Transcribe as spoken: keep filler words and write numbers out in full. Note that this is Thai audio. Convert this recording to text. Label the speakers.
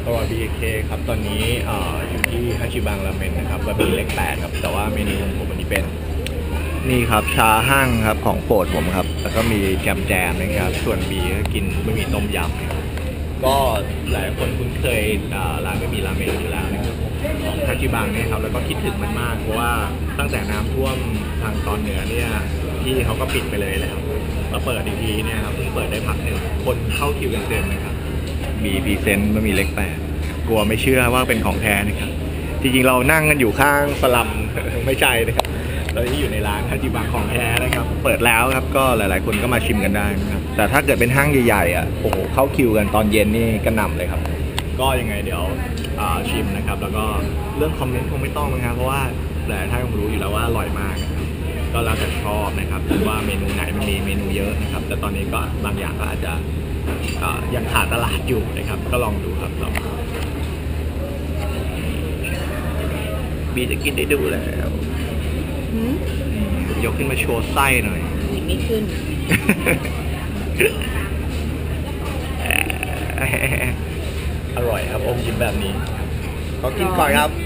Speaker 1: ตัว บี เค ครับตอนนี้เอ่ออยู่ที่ฮาชิบังราเมนนะครับบะหมี่เล็กแปดครับแต่ว่าเมนูของผมวันนี้เป็นนี่ครับชาหั่งครับของโปรดผมครับแล้วก็มีแจมแจมนะครับส่วนบีก็กินบะหมี่ต้มยำนะครับก็หลายคนคุ้นเคยเอ่อร้านบะหมี่ราเมนอยู่แล้วนะครับของฮาชิบังเนี่ยครับแล้วก็คิดถึงมันมากเพราะว่าตั้งแต่น้ำท่วมทางตอนเหนือเนี่ยที่เขาก็ปิดไปเลยแล้วมาเปิดอีกทีเนี่ยครับเพิ่งเปิดได้พักหนึ่งคนเข้าคิวกันเต็มนะครับ มีพรีเซนต์บะหมี่เล็กแปดกลัวไม่เชื่อว่าเป็นของแท้นะครับจริงๆเรานั่งกันอยู่ข้างสลัม ไม่ใช่นะครับเราที่อยู่ในร้านฮาจิบังของแท้นะครับเปิดแล้วครับก็หลายๆคนก็มาชิมกันได้นะครับแต่ถ้าเกิดเป็นห้างใหญ่ๆอ่ะโอ้โหเข้าคิวกันตอนเย็นนี่กระหน่ำเลยครับก็ยังไงเดี๋ยวชิมนะครับแล้วก็เรื่องคอมเมนต์คงไม่ต้องนะครับเพราะว่าหลายท่านคงรู้อยู่แล้วว่าอร่อยมากนะครับก็แล้วแต่ชอบนะครับว่าเมนูไหนมันมีเมนูเยอะนะครับแต่ตอนนี้ก็บางอย่างก็อาจจะยังขาดตลาดอยู่นะครับก็ลองดูครับลองบีจะกินได้ดูแล้วยกขึ้นมาโชว์ไส้หน่อย
Speaker 2: ยังไม่ขึ้น
Speaker 1: อร่อยครับอมยิ้มแบบนี้ขอกินก่อนครับ